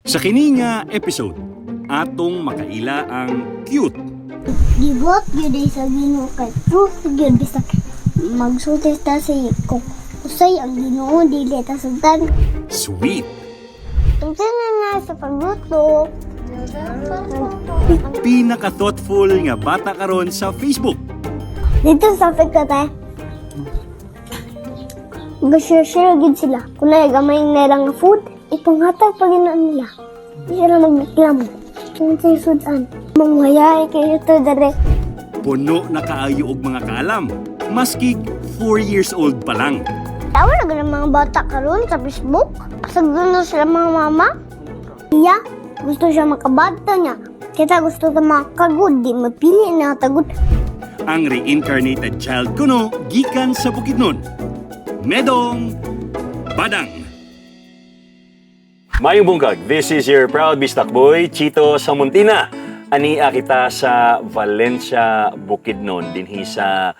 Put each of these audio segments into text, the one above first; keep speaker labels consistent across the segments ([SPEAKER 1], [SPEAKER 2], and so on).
[SPEAKER 1] Sa kini nga episode, atong makaila ang cute,
[SPEAKER 2] Gibuhat gyud ay sa Ginoo kay truth gyud bisag magsulti ta sa kung usay ang Ginoo dili ta sugdan.
[SPEAKER 1] sweet,
[SPEAKER 2] Tungkol na sa pagluto.
[SPEAKER 1] pinaka-thoughtful nga bata karon sa Facebook.
[SPEAKER 2] Dito sa pagkata. Mag-share gid sila. Kung na gamay na lang nga food, ipanghatag pa gina nila. Di sila magreklamo. Kung sa sudan, manghayay kayo to direct.
[SPEAKER 1] Puno na kaayo og mga kaalam, maski 4 years old pa lang.
[SPEAKER 2] Tawa na ganang mga bata karon sa Facebook. Pasagdan na sila mga mama. Iya, gusto siya makabata niya. Kita gusto na makagod, di mapili na tagod.
[SPEAKER 1] Ang reincarnated child kuno gikan sa Bukidnon. Medong Badang.
[SPEAKER 3] Mayong bunggag, this is your proud bistak boy, Chito Samuntina. Ania kita sa Valencia, Bukidnon, dinhi sa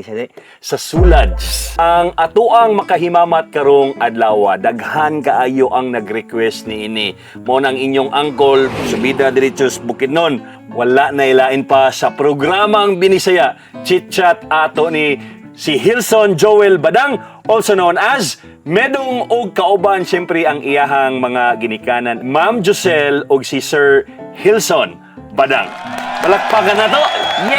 [SPEAKER 3] Sulad. Ang atuang makahimamat karong adlaw, daghan kaayo ang nag-request ni ini. Mo nang inyong angkol, subida diretso sa Bukidnon. Wala na ilain pa sa programang binisaya, chit-chat ato ni si Hilson Joel Badang, also known as Medong og kauban siyempre ang iyahang mga ginikanan, Ma'am Josel og si Sir Hilson Badang. Palakpakan na to!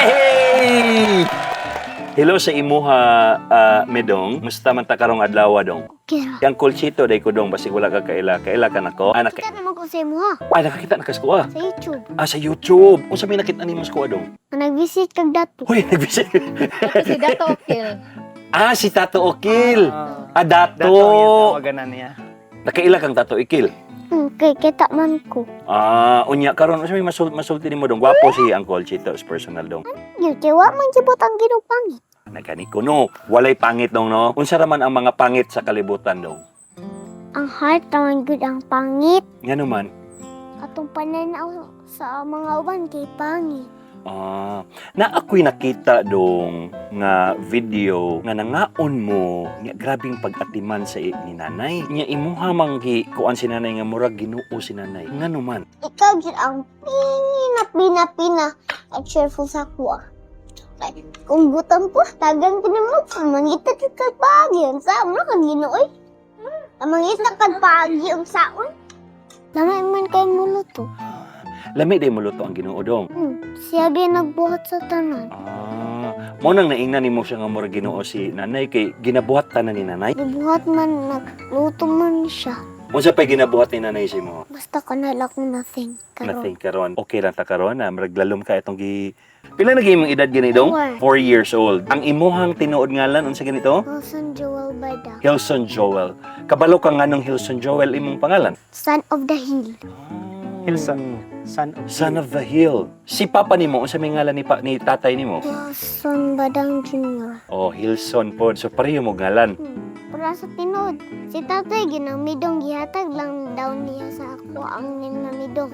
[SPEAKER 3] Yay! Hello sa imuha, Medong. Musta man ta karong adlaw dong?
[SPEAKER 2] Kira.
[SPEAKER 3] Yang kulchito day ko dong, basig wala ka kaila. Kaila ka nako.
[SPEAKER 2] Kita naman ko sa imo ha.
[SPEAKER 3] Nakakita na kaskuha.
[SPEAKER 2] Sa YouTube.
[SPEAKER 3] Sa YouTube. Kung sa may nakita ni mo skuha dong.
[SPEAKER 2] Nag-visit kag dato.
[SPEAKER 3] Uy, nag-visit.
[SPEAKER 4] Si Dato Okil.
[SPEAKER 3] Si Tato Okil. Dato.
[SPEAKER 5] Dato yung tawagan niya.
[SPEAKER 3] Nakaila kang Tato Okil.
[SPEAKER 2] Kay kita man ko.
[SPEAKER 3] Unya karon sa may masulti nimo dong. Gwapo si Uncle Chito is personal dong.
[SPEAKER 2] Yung kiwa man kibot ang ginupangit.
[SPEAKER 3] Nagani ko no. Walay pangit dong no. Unsa raman ang mga pangit sa kalibutan dong?
[SPEAKER 2] Ang heart naman good ang pangit.
[SPEAKER 3] Ngano man?
[SPEAKER 2] Atong pananaw sa mga uban kay pangit.
[SPEAKER 3] Na ako'y nakita dong nga video nga nangaon mo nga grabing pag-atiman sa ni nanay. Nya imuha manggi kuan si nanay nga murag Ginoo si nanay. Ngano man?
[SPEAKER 2] Ikaw gid ang pina at cheerful sa kuha. Kung gutom po, tagang pinamot, mangita kag pagi ang saon na kag Ginoo. Mangita kag pagi ang saon. Lamay man kay muluto.
[SPEAKER 3] Lami day mo luto ang Ginoo dong.
[SPEAKER 2] Siya gyud nagbuhat sa tanan.
[SPEAKER 3] Mo nang naingnan nimo siya nga murag Ginoo si nanay kay ginabuhat tanan ni nanay.
[SPEAKER 2] Gibuhat man, nagluto man siya.
[SPEAKER 3] Unsa pay ginabuhat ni nanay si mo?
[SPEAKER 2] Basta kanala kong nothing.
[SPEAKER 3] Nothing karon. Okay lang ta karon na murag lalom ka itong Pila na imong edad gani dong? 4 years old. Ang imuhang tinuod ngalan unsa ganito?
[SPEAKER 2] Wilson Joel Bada.
[SPEAKER 3] Hilson Joel. Kabalo ka nganong Hilson Joel imong pangalan?
[SPEAKER 2] Son of the Hill.
[SPEAKER 5] Hilson,
[SPEAKER 3] Son of the Hill. Si papa nimo unsa may ngalan ni tatay nimo?
[SPEAKER 2] Wilson Badang Jr.
[SPEAKER 3] Hilson pod. So pareho mo ngalan.
[SPEAKER 2] Para sa tinod. Si tatay ginamidong gihatag lang daw niya sa ako ang ninamidong.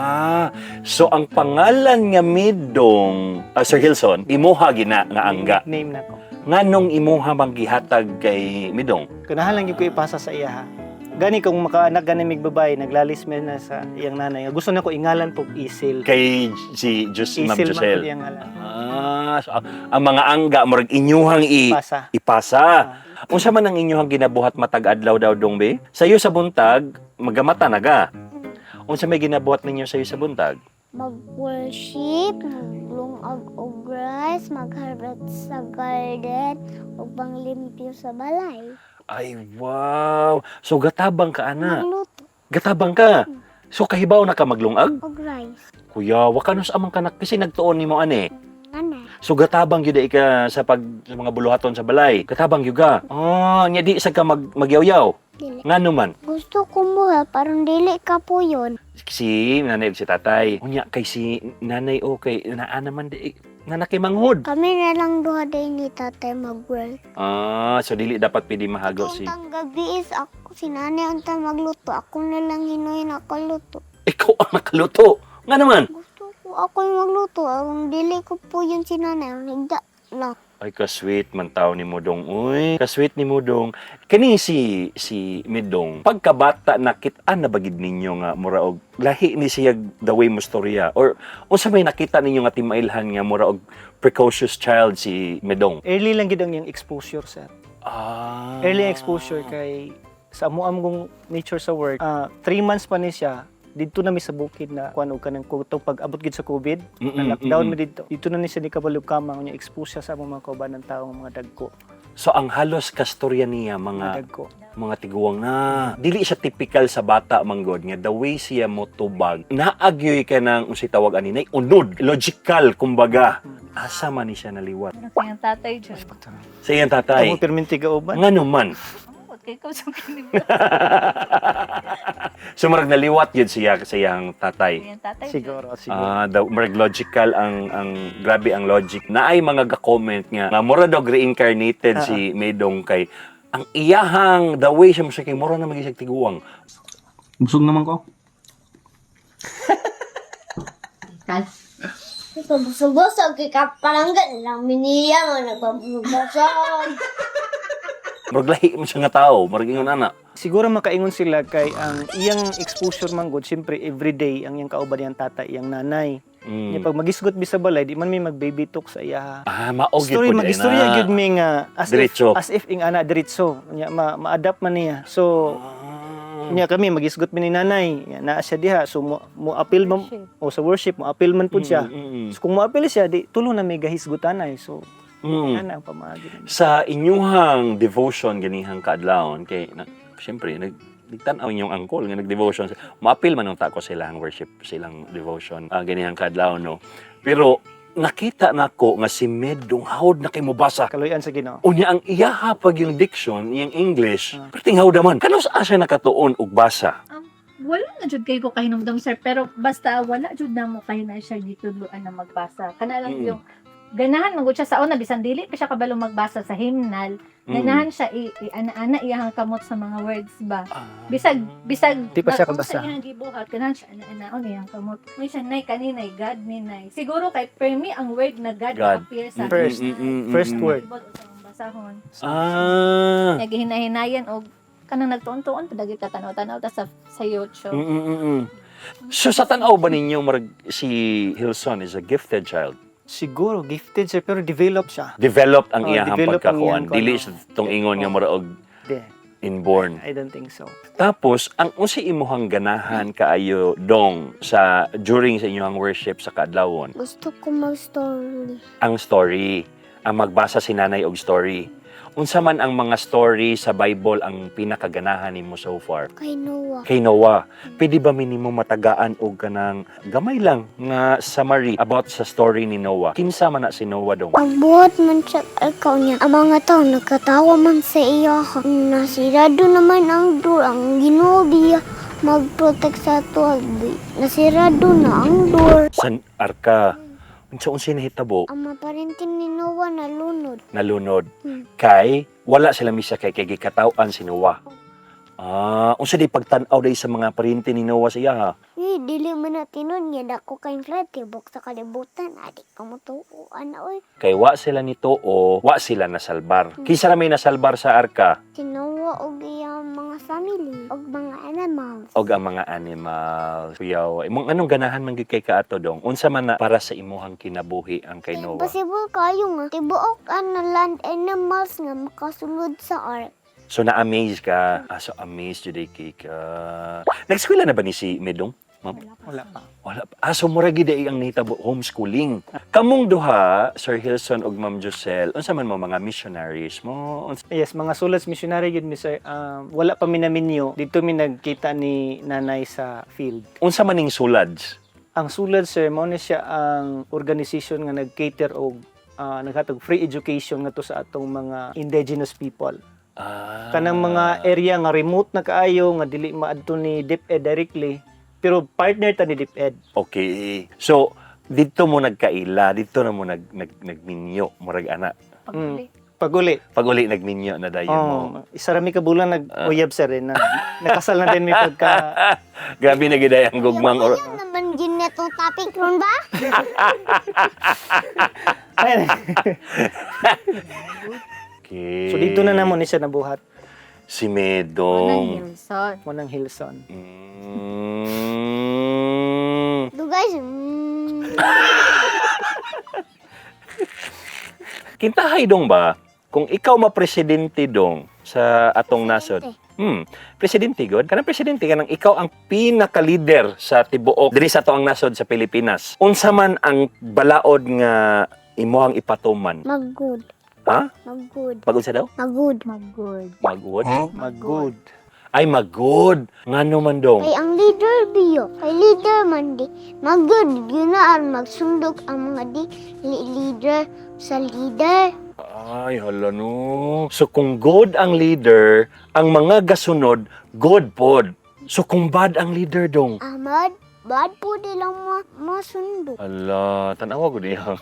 [SPEAKER 3] So ang pangalan nga Midong, Sir Hilson, imuha gina nga angga.
[SPEAKER 5] name na ko.
[SPEAKER 3] Nganong imuha bang gihatag kay Midong?
[SPEAKER 5] Kunahan lang yung ko ipasa sa iya ha. Gani kung makaanak gani mig babae, naglalisme na sa iyang nanay. Gusto na ko ingalan po Isil.
[SPEAKER 3] Kay si Ma'am
[SPEAKER 5] Isil man
[SPEAKER 3] Josel.
[SPEAKER 5] po iyang ngalan.
[SPEAKER 3] So, ang mga angga murag inyuhang
[SPEAKER 5] Pasa.
[SPEAKER 3] ipasa. Unsa man ang inyuhang ginabuhat matag adlaw daw dong be? Sayo sa buntag magamata naga. Unsa may ginabuhat ninyo sayo sa buntag?
[SPEAKER 2] Mag-worship, maglungag og rice, mag-harvest sa garden, ug panglimpyo sa balay.
[SPEAKER 3] Ay wow. So gatabang ka ana.
[SPEAKER 2] Magluto
[SPEAKER 3] Gatabang ka. So kahibaw na ka maglungag?
[SPEAKER 2] og rice.
[SPEAKER 3] Kuya, wa ka nos amang kanak kasi nagtuon nimo ani.
[SPEAKER 2] Nanay.
[SPEAKER 3] So gatabang gyud ka sa mga buluhaton sa balay. Gatabang gyud ka. Nya di sa ka magyaw-yaw.
[SPEAKER 2] Dili.
[SPEAKER 3] Ngano man?
[SPEAKER 2] Gusto ko muha, parang dili ka po yun.
[SPEAKER 3] Si nanay ug si tatay. Unya kay si nanay okay naa naman di nga nakimanghod.
[SPEAKER 2] Kami na lang duha day ni tatay mag-work.
[SPEAKER 3] So dili dapat pwede mahagaw si.
[SPEAKER 2] Kung gabi is ako, si nanay ang magluto. Ako na lang hinuhin ako luto.
[SPEAKER 3] Ikaw ang nakaluto. Nga naman.
[SPEAKER 2] Gusto ko ako yung magluto. Ang dili ko po yun si nanay. Ang higda lang.
[SPEAKER 3] Ay, kasweet man tao ni Modong. Uy, kasweet ni Modong. Kani si Midong, pagkabata nakit-an na bagid ninyo nga mura og lahi ni siya the way mo storya or unsa may nakita ninyo nga timailhan nga mura og precocious child si Midong?
[SPEAKER 5] Early lang gid ang iyang exposure, sir.
[SPEAKER 3] Ah.
[SPEAKER 5] Early exposure kay sa amuam kong nature sa work. 3 months pa ni siya. Dito na mi sa bukid na kuan og kanang kuto pag abot gid sa COVID. Na lockdown mi dito. Dito na ni siya ni kabalog kamang nya expose siya sa mga kauban ng tao mga dagko.
[SPEAKER 3] So ang halos kastorya niya
[SPEAKER 5] Mga dagko.
[SPEAKER 3] mga tiguang na dili siya typical sa bata manggod nga the way siya motubag naagyoy ka ng unsay tawag ani nay unod logical kumbaga asa man ni siya naliwat
[SPEAKER 4] Ano kayang tatay dyan?
[SPEAKER 3] sa iyang tatay
[SPEAKER 5] Amo perminti kauban.
[SPEAKER 3] ngano man
[SPEAKER 4] Amot kay ko sa kinibulan.
[SPEAKER 3] so marag naliwat yun siya sa iyang tatay.
[SPEAKER 4] Kayang tatay dyan.
[SPEAKER 5] Siguro.
[SPEAKER 3] Marag logical ang grabe ang logic. Naay mga ga-comment nga mura dog reincarnated si Medong kay ang iyahang the way siya kay mura na magisig tiguang.
[SPEAKER 1] Busog naman ko.
[SPEAKER 2] Busog-busog kay kapalanggan lang miniya mo nagbabusog.
[SPEAKER 3] Murag lahi mo siya nga tao, murag ingon ana.
[SPEAKER 5] Siguro makaingon sila kay ang iyang exposure man gud syempre everyday ang iyang kauban iyang tatay iyang nanay. Nya pag magisgot bi sa balay di man may mag-baby talk sa iya.
[SPEAKER 3] Maog yun
[SPEAKER 5] Story
[SPEAKER 3] po
[SPEAKER 5] magistorya gyud mi nga
[SPEAKER 3] Diretso.
[SPEAKER 5] as if ing ana diretso nya ma-adapt man niya. So nya kami magisgot mi ni nanay naa siya diha so mo appeal man o sa worship mo appeal man pud siya. So kung mo appeal siya di tulo na may gahisgutanay. So ana ang pamaagi.
[SPEAKER 3] Sa inyuhang devotion ganihang kaadlawon kay syempre nagtanaw inyong angkol nga nag-devotion. Maapil man ang tako silang worship, silang devotion ganihang kaadlawon no. Pero nakita nako nga si Medong hawd na kay mobasa.
[SPEAKER 5] Kaloyan sa Ginoo.
[SPEAKER 3] Unya ang iyaha pag yung diction, yung English, perting hawd man. Kanos asa nakatuon og basa?
[SPEAKER 4] Wala na jud kay ko kahinumdum sir pero basta wala jud na mo kayo na siya gituluan na magbasa. Kana lang yung ganahan magud siya sa una bisan dili pa siya kabalo magbasa sa hymnal. Ganahan siya ana-ana iyang kamot sa mga words ba. Bisag
[SPEAKER 5] Di pa siya kabasa.
[SPEAKER 4] Sa iyang gibuhat ganahan siya ana-anaon iyang kamot. May siya nay kaninay God ninay. Siguro kay per me ang word na God,
[SPEAKER 3] God.
[SPEAKER 4] appear sa
[SPEAKER 5] First word.
[SPEAKER 4] basahon.
[SPEAKER 3] Ah.
[SPEAKER 4] Naghihinahinayan og kanang nagtuon-tuon padagi ka tanaw-tanaw ta sa YouTube.
[SPEAKER 3] So sa tanaw ba ninyo marag si Hilson is a gifted child?
[SPEAKER 5] Siguro gifted siya pero develop siya.
[SPEAKER 3] Developed ang iyahang
[SPEAKER 5] develop ang
[SPEAKER 3] pagkakuan.
[SPEAKER 5] iyang
[SPEAKER 3] Dili
[SPEAKER 5] kuan,
[SPEAKER 3] siya tong ingon nga mura og
[SPEAKER 5] Di.
[SPEAKER 3] inborn.
[SPEAKER 5] I don't think so.
[SPEAKER 3] Tapos ang unsa imuhang ganahan kaayo dong sa during sa inyong worship sa kaadlawon?
[SPEAKER 2] Gusto ko mag-story.
[SPEAKER 3] Ang story, ang magbasa si nanay og story. Unsa man ang mga story sa Bible ang pinakaganahan nimo so far?
[SPEAKER 2] Kay Noah.
[SPEAKER 3] Kay Noah, pwede ba minimo matagaan og kanang gamay lang nga summary about sa story ni Noah? Kinsa man na si Noah dong?
[SPEAKER 2] Pagbuhat man siya ikaw niya, ang mga tao nagkatawa man sa iya. Nasirado naman ang door, ang Ginoo biya mag-protect sa tuwag. Nasirado na ang door.
[SPEAKER 3] San arka? Unsa nahitabo?
[SPEAKER 2] Ang maparintin ni Noah nalunod.
[SPEAKER 3] Nalunod. Kay wala sila misa kay gikataw-an si Noah. Unsa di pagtan-aw day sa mga parinti ni Noah siya ha?
[SPEAKER 2] Dili man na tinon niya dako kay flat tibok sa kalibutan. Adik ka mo tuuan na oy.
[SPEAKER 3] Kay wa sila nito o wa sila nasalbar. Kinsa ra may nasalbar sa arka?
[SPEAKER 2] Si Noah og iyang mga family og mga animals.
[SPEAKER 3] Og ang mga animals. Kuyaw, imong anong ganahan man gyud kay kaato dong? Unsa man na para sa imuhang kinabuhi ang kay Noah?
[SPEAKER 2] Possible kayo nga tibuok ang land animals nga makasulod sa ark.
[SPEAKER 3] So na-amaze ka. So amazed jud kay ka. Nag-eskwela na ba ni si Medong? Ma'am?
[SPEAKER 5] Wala pa.
[SPEAKER 3] Wala pa. So mura gid ang nahitabo homeschooling. Kamong duha, Sir Hilson ug Ma'am Josel, unsa man mo mga missionaries mo?
[SPEAKER 5] Yes, mga sulats missionary yun, Mr. Wala pa minaminyo. Dito mi nagkita ni nanay sa field.
[SPEAKER 3] Unsa man ning sulads?
[SPEAKER 5] Ang sulad, sir, mo na siya ang organization nga nag-cater og naghatag free education nga to sa atong mga indigenous people. Kanang mga area nga remote na kaayo nga dili maadto ni DepEd directly, pero partner ta ni DepEd.
[SPEAKER 3] Okay. So dito mo nagkaila, dito na mo nagminyo, murag ana.
[SPEAKER 5] Paguli.
[SPEAKER 3] Pag-uli nagminyo na dayon mo.
[SPEAKER 5] Isa ra mi ka bulan nag-uyab sir na nakasal na din mi pagka
[SPEAKER 3] Grabe na gid ang gugmang or
[SPEAKER 2] Yan naman ginet atong topic ron ba?
[SPEAKER 3] Okay.
[SPEAKER 5] So dito na namon ni siya nabuhat.
[SPEAKER 3] Si
[SPEAKER 4] Unang
[SPEAKER 3] Medong.
[SPEAKER 4] Hilson.
[SPEAKER 5] Munang Hilson.
[SPEAKER 2] Do guys,
[SPEAKER 3] Kintahay dong ba? Kung ikaw ma-presidente dong sa atong nasod. Presidente god. Kanang presidente kanang ikaw ang pinaka-leader sa tibuok diri sa atong nasod sa Pilipinas. Unsa man ang balaod nga imuhang ipatuman?
[SPEAKER 2] mag-good.
[SPEAKER 3] Ha?
[SPEAKER 2] Mag-good.
[SPEAKER 3] Pagod sa daw?
[SPEAKER 2] Mag-good.
[SPEAKER 4] Mag-good.
[SPEAKER 3] Magwood?
[SPEAKER 5] Mag-good.
[SPEAKER 3] Ay, mag-good. Ngano man dong?
[SPEAKER 2] Kay ang leader biyo. Kay leader man di. Mag-good. Yun na ang magsundok ang mga leader sa leader.
[SPEAKER 3] Ay, hala no. So kung good ang leader, ang mga gasunod, good pod. So kung bad ang leader dong?
[SPEAKER 2] Ahmad, bad po nilang masundok.
[SPEAKER 3] Hala, tanawa ko niya.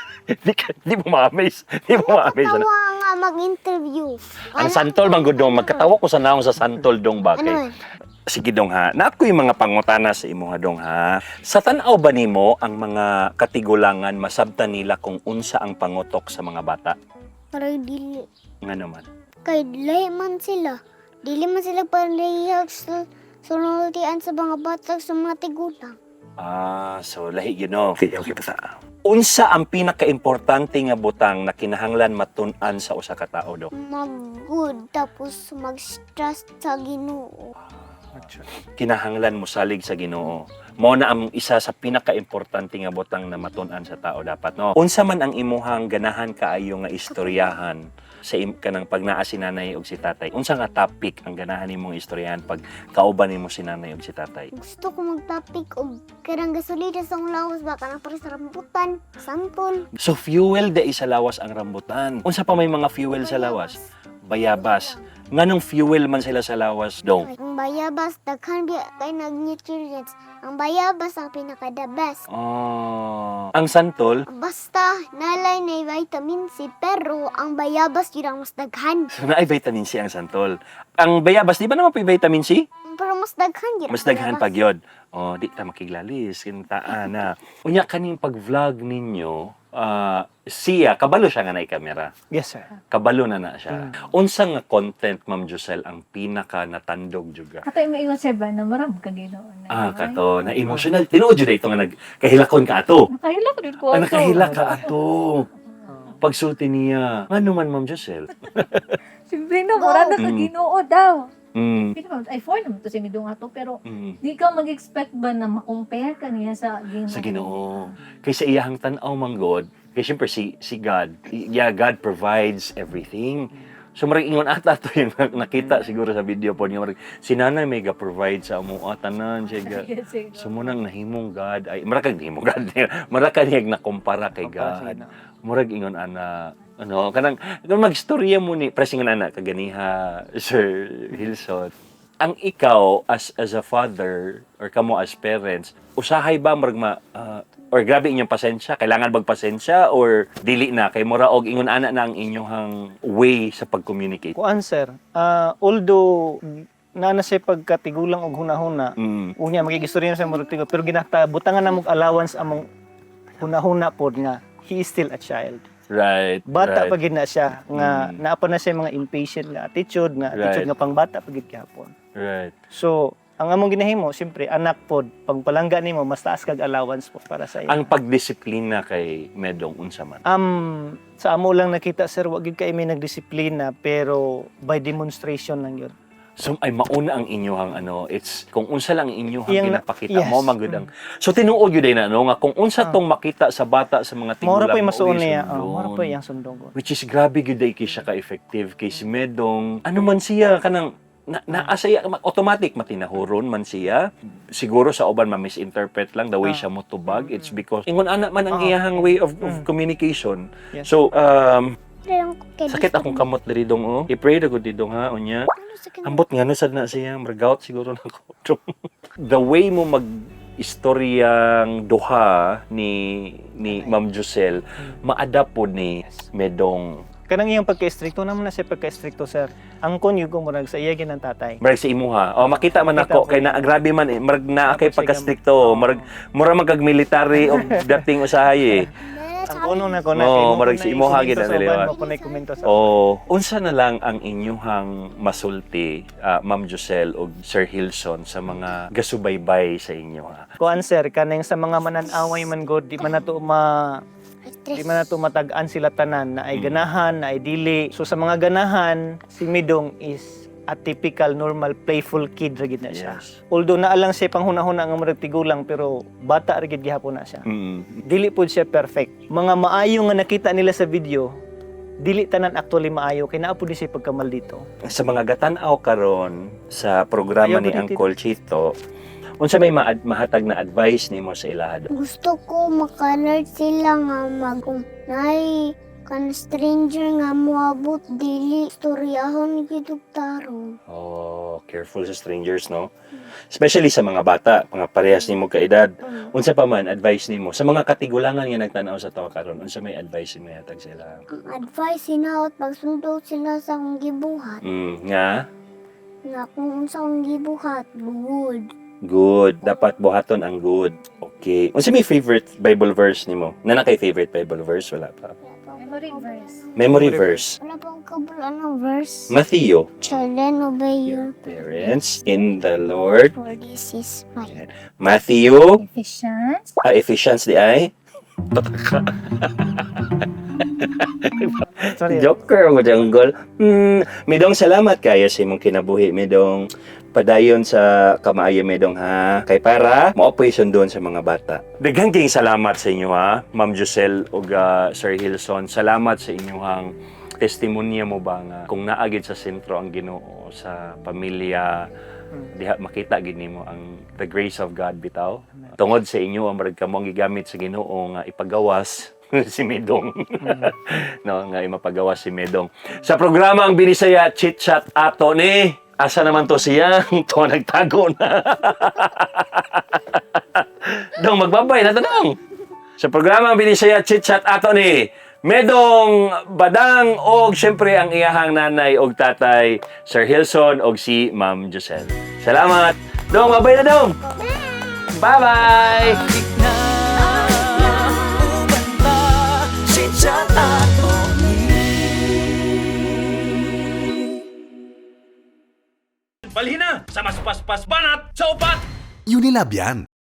[SPEAKER 3] Di mo ma-amaze. Di mo ma-amaze.
[SPEAKER 2] Tawa nga mag-interview.
[SPEAKER 3] Ang santol man gud dong, magkatawa ko sa naong sa santol dong ba
[SPEAKER 2] Ano
[SPEAKER 3] kay.
[SPEAKER 2] man?
[SPEAKER 3] Sige dong ha. Naako yung mga pangutana sa imo ha dong ha. Sa tan-aw ba nimo ang mga katigulangan masabtan nila kung unsa ang pangutok sa mga bata?
[SPEAKER 2] Parang dili.
[SPEAKER 3] Nga naman.
[SPEAKER 2] Kay dili man sila. Dili man sila parehag sa sunultian sa mga batag sa mga tigulang.
[SPEAKER 3] Ah, so lahi yun no. Okay, basta. Unsa ang pinaka-importante nga butang na kinahanglan matun-an sa usa ka tawo do?
[SPEAKER 2] Mag-good tapos mag-stress sa Ginoo.
[SPEAKER 3] Kinahanglan mo salig sa Ginoo. Mao na ang isa sa pinaka-importante nga butang na matun-an sa tao dapat no. Unsa man ang imuhang ganahan kaayo nga istoryahan sa kanang pag naa si nanay ug si tatay. Unsa nga topic ang ganahan nimong istoryahan pag kauban nimo si nanay ug si tatay?
[SPEAKER 2] Gusto ko mag-topic og karang gasolina sa akong lawas ba kanang para sa rambutan, sampol.
[SPEAKER 3] So fuel da sa lawas ang rambutan. Unsa pa may mga fuel sa lawas? Bayabas. Nganong fuel man sila sa lawas dong?
[SPEAKER 2] Ang bayabas daghan kay nag-nutrients. Ang bayabas ang pinaka-the best.
[SPEAKER 3] Ang santol,
[SPEAKER 2] Basta nalay na vitamin C pero ang bayabas yun ang mas daghan.
[SPEAKER 3] so naay vitamin C ang santol. Ang bayabas, di ba naman may vitamin C?
[SPEAKER 2] Pero mas daghan yun.
[SPEAKER 3] Mas daghan pag yun. Di ta makiglalis, kintaan na. Unya kaning pag-vlog ninyo, siya, kabalo siya nga na kamera.
[SPEAKER 5] Yes, sir.
[SPEAKER 3] Kabalo na siya. Unsa nga content, Ma'am Josel, ang pinaka natandog juga?
[SPEAKER 4] Kato yung maiwan sir ba na maram ka ginoon.
[SPEAKER 3] Kato, na emotional. Tinuod yun ito nga nagkahilakon ka ato.
[SPEAKER 4] Nakahila ko din ko.
[SPEAKER 3] Nakahila ka ato. Pagsulti niya. Ano man, Ma'am Josel?
[SPEAKER 4] Siyempre na, murada ka ginoo daw.
[SPEAKER 3] Mm.
[SPEAKER 4] Ay, for naman to si Midong ato, pero
[SPEAKER 3] Mm.
[SPEAKER 4] di ka mag-expect ba na ma-compare ka niya sa ginoo?
[SPEAKER 3] Sa Ginoo. Kay sa iyahang tanaw man God, kay syempre si God, God provides everything. So marag ingon ata to yung nakita siguro sa video po niya, marag si nanay may ga-provide sa amo tanan siya ga.
[SPEAKER 4] Yes, sir.
[SPEAKER 3] So munang nahimong God ay marag kag nahimong God. Marag kaniyag na kumpara kay God. Murag ingon ana kanang magstorya mo ni presingon ana kaganiha Sir Hilson. Ang ikaw as a father or kamo as parents, usahay ba marag or grabe inyong pasensya, kailangan magpasensya or dili na kay mura og ingon ana na ang inyong way sa pag-communicate.
[SPEAKER 5] Kuan, sir. Although na siya pagkatigulang og hunahuna, unya magigistorya na sa mga tigo, pero butangan na mong allowance among hunahuna pod nga he is still a child.
[SPEAKER 3] Right.
[SPEAKER 5] Bata
[SPEAKER 3] right.
[SPEAKER 5] pa gid na siya nga naapa na siya mga impatient nga attitude
[SPEAKER 3] Right.
[SPEAKER 5] nga pangbata pa gid gyapon.
[SPEAKER 3] Right.
[SPEAKER 5] So, ang among ginahimo, siyempre, anak pod, pag palangga nimo, mas taas kag allowance po para sa iyo.
[SPEAKER 3] Ang pagdisiplina kay Medong unsa man.
[SPEAKER 5] Sa amo lang nakita, sir, wag gyud kay may nagdisiplina, pero by demonstration lang yun.
[SPEAKER 3] So ay mauna ang inyong it's kung unsa lang inyong
[SPEAKER 5] Iyang
[SPEAKER 3] ginapakita
[SPEAKER 5] yes.
[SPEAKER 3] mo magud ang. So tinuod gyud na nga kung unsa tong makita sa bata sa mga tigulang.
[SPEAKER 5] Mora pa yung masuon
[SPEAKER 3] mauwi
[SPEAKER 5] niya.
[SPEAKER 3] sundon.
[SPEAKER 5] Mora pa yung sundong.
[SPEAKER 3] Which is grabe gyud kay siya ka-effective kay si Medong. Ano man siya kanang naasaya automatic matinahuron man siya. Siguro sa uban ma-misinterpret lang the way siya motubag. It's because ingon ana man ang iyahang way of communication.
[SPEAKER 5] Yes.
[SPEAKER 3] So
[SPEAKER 2] Lang ko kay
[SPEAKER 3] sakit akong kamot diri dong I-pray na ko didong ha unya.
[SPEAKER 2] Ano sa kanila?
[SPEAKER 3] Ambot nga sad na siya, margout siguro na ko. The way mo mag-istoryang duha ni Ma'am Josel, ma-adapt po ni Medong
[SPEAKER 5] Kanang iyang pagka-stricto naman na siya pagka-stricto, sir. Ang konyug ko murag sa iya ginang tatay.
[SPEAKER 3] Marag sa imuha. O makita man
[SPEAKER 5] Makita
[SPEAKER 3] ako
[SPEAKER 5] po.
[SPEAKER 3] kay na grabe man marag na kay
[SPEAKER 5] Tapos
[SPEAKER 3] pagka-stricto, marag mura magag-military og dating usahay eh.
[SPEAKER 5] Ang kuno na ko
[SPEAKER 3] Oo, marag si imuha gid na nila.
[SPEAKER 5] Mo kunay komento sa.
[SPEAKER 3] O unsa na lang ang inyuhang masulti, Ma'am Josel o Sir Hilson sa mga gasubaybay sa inyo ha.
[SPEAKER 5] Kuan sir, kanang sa mga mananaway man god, di man nato matag-an sila tanan na ay ganahan, na ay dili. So sa mga ganahan, si Midong is a typical normal playful kid ra gid na siya.
[SPEAKER 3] Yes.
[SPEAKER 5] Although naalang siya panghuna-huna nga murag tigulang pero bata ra gid gihapon na siya. Dili pud siya perfect. Mga maayo nga nakita nila sa video, dili tanan actually maayo kay naa pud siya pagkamal dito.
[SPEAKER 3] Sa mga gatan-aw karon sa programa
[SPEAKER 5] Ayaw
[SPEAKER 3] ni
[SPEAKER 5] ba dito?
[SPEAKER 3] Uncle Chito, unsa may mahatag na advice nimo sa ilahado?
[SPEAKER 2] Gusto ko maka-alert sila nga nay kan stranger nga moabot dili storyahon gid og tarong.
[SPEAKER 3] Oh, careful sa strangers, no? Especially sa mga bata, mga parehas nimo ka edad. Unsa pa man advice nimo sa mga katigulangan nga nagtan-aw sa tawo karon? Unsa may advice nimo hatag sila?
[SPEAKER 2] Ang advice hinaot pagsundo sila sa akong gibuhat.
[SPEAKER 3] Nga
[SPEAKER 2] Nga kung unsa akong gibuhat, good.
[SPEAKER 3] good, dapat buhaton ang good. Okay. Unsa may favorite Bible verse nimo? Nana kay favorite Bible verse wala pa.
[SPEAKER 4] Memory verse.
[SPEAKER 3] Memory verse.
[SPEAKER 2] Wala pa akong kabulan ng verse.
[SPEAKER 3] Matthew.
[SPEAKER 2] Children, obey your
[SPEAKER 3] Parents in the Lord.
[SPEAKER 2] for this is my
[SPEAKER 3] Matthew.
[SPEAKER 4] Ephesians.
[SPEAKER 3] Ephesians di ay.
[SPEAKER 5] Sorry.
[SPEAKER 3] Joker mo jungle. Medong salamat kayo sa imong kinabuhi, medong padayon sa kamaayo medong ha. Kay para maapoy sundon sa mga bata. Daghang kayong salamat sa inyo ha, Ma'am Josel ug Sir Hilson. Salamat sa inyong testimonya mo ba nga kung naagid sa sentro ang Ginoo sa pamilya, diha makita gid nimo ang the grace of God bitaw. Tungod sa inyo ang marag kamo ang gigamit sa Ginoo nga ipagawas si Medong. No, nga imapagawas si Medong. Sa programa ang Binisaya Chit Chat ato ni asa naman to siya? To nagtago na. Dong magbabay na to dong. Sa programa ang Binisaya Chit Chat ato ni Medong Badang og syempre ang iyahang nanay og tatay Sir Hilson og si Ma'am Josel. Salamat. Dong, mabay na dong. Bye-bye.
[SPEAKER 1] Balhin na sa mas paspas banat sa upat!
[SPEAKER 6] Unilab yan.